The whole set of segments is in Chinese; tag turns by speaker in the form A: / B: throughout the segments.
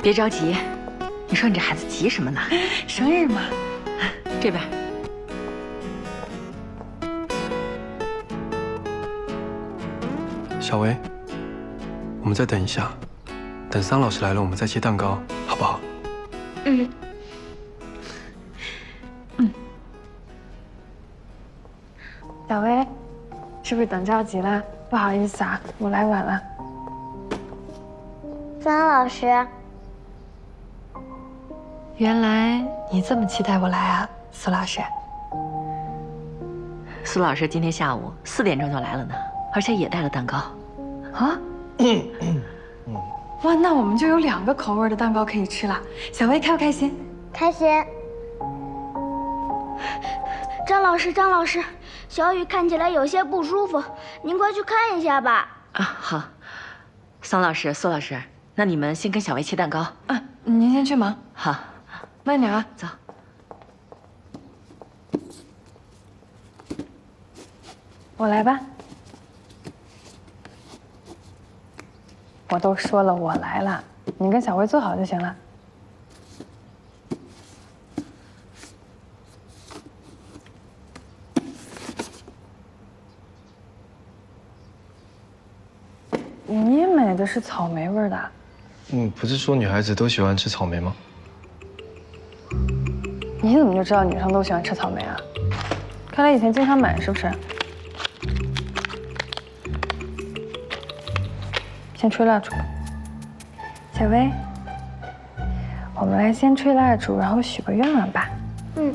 A: 别着急，你说你这孩子急什么呢？
B: 生日嘛。
A: 这边。
C: 小薇，我们再等一下，等桑老师来了，我们再切蛋糕，好不好？
B: 嗯。小薇，是不是等着急了？不好意思啊，我来晚了。
D: 桑老师，
B: 原来你这么期待我来啊，苏老师。
A: 苏老师今天下午4点钟就来了呢，而且也带了蛋糕。
B: 啊？哇，那我们就有2个口味的蛋糕可以吃了。小薇开不开心？
D: 开心。张老师，张老师，小雨看起来有些不舒服，您快去看一下吧。
A: 啊，好。桑老师、苏老师，那你们先跟小薇切蛋糕。
B: 啊，您先去忙。
A: 好，
B: 慢点啊。
A: 走。
B: 我来吧。我都说了我来了，你跟小薇坐好就行了。你买的是草莓味的？
C: 不是说女孩子都喜欢吃草莓吗？
B: 你怎么就知道女生都喜欢吃草莓啊？看来以前经常买是不是？先吹蜡烛。小薇，我们来先吹蜡烛，然后许个愿望吧。
D: 嗯。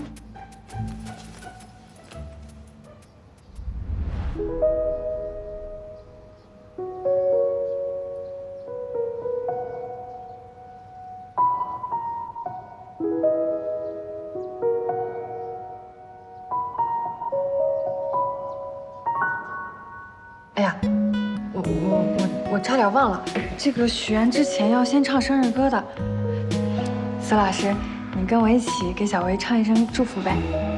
B: 哎呀，我差点忘了，这个许愿之前要先唱生日歌的。苏老师，你跟我一起给小薇唱一声祝福呗。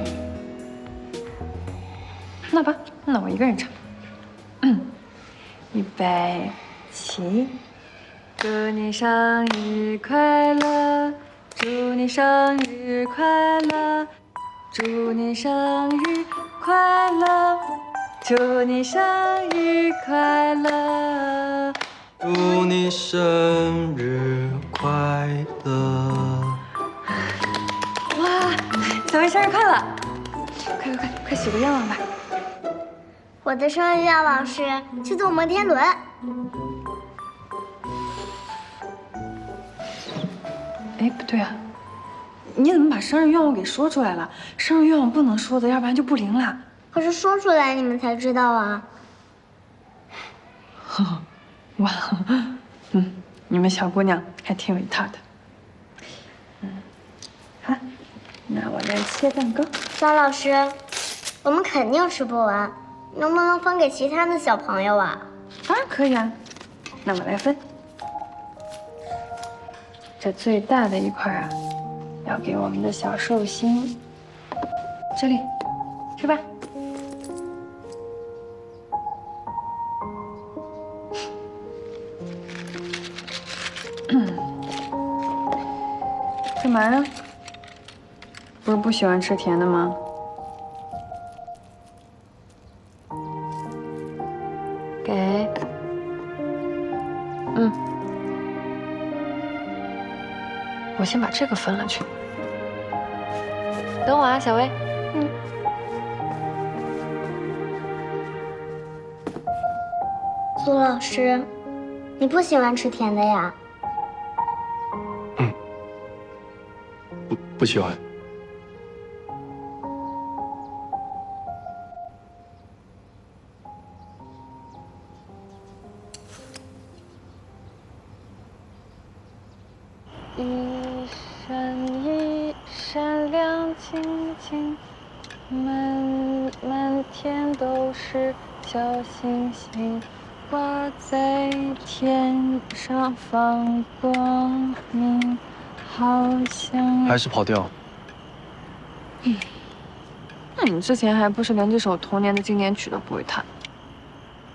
B: 那吧，那我一个人唱。预备起！祝你生日快乐，祝你生日快乐，祝你生日快乐。祝你生日快乐！
C: 祝你生日快乐！
B: 哇，小薇生日快乐！快许个愿望吧！
D: 我的生日愿望是去坐摩天轮。
B: 哎，不对啊，你怎么把生日愿望给说出来了？生日愿望不能说的，要不然就不灵了。
D: 可是说出来你们才知道啊。
B: 哇，你们小姑娘还挺有一套的。好，那我来切蛋糕。
D: 张老师，我们肯定吃不完，能不能分给其他的小朋友啊？
B: 当然可以啊，那我来分。这最大的一块啊，要给我们的小寿星。这里，吃吧。干嘛呀？不是不喜欢吃甜的吗？给。我先把这个分了去。等我啊，小薇。
D: 苏老师，你不喜欢吃甜的呀？
C: 不喜欢。
B: 一闪一闪亮晶晶，满天都是小星星，挂在天上放光明，好像
C: 还是跑调。
B: 那你之前还不是连这首童年的经典曲都不会弹？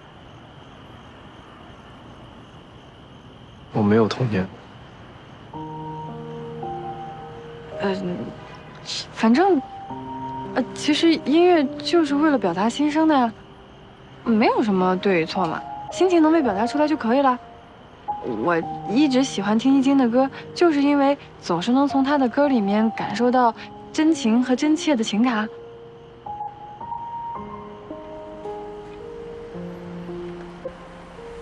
C: 我没有童年。
B: 反正，其实音乐就是为了表达心声的呀，没有什么对与错嘛，心情能被表达出来就可以了。我一直喜欢听易经的歌，就是因为总是能从他的歌里面感受到真情和真切的情感啊。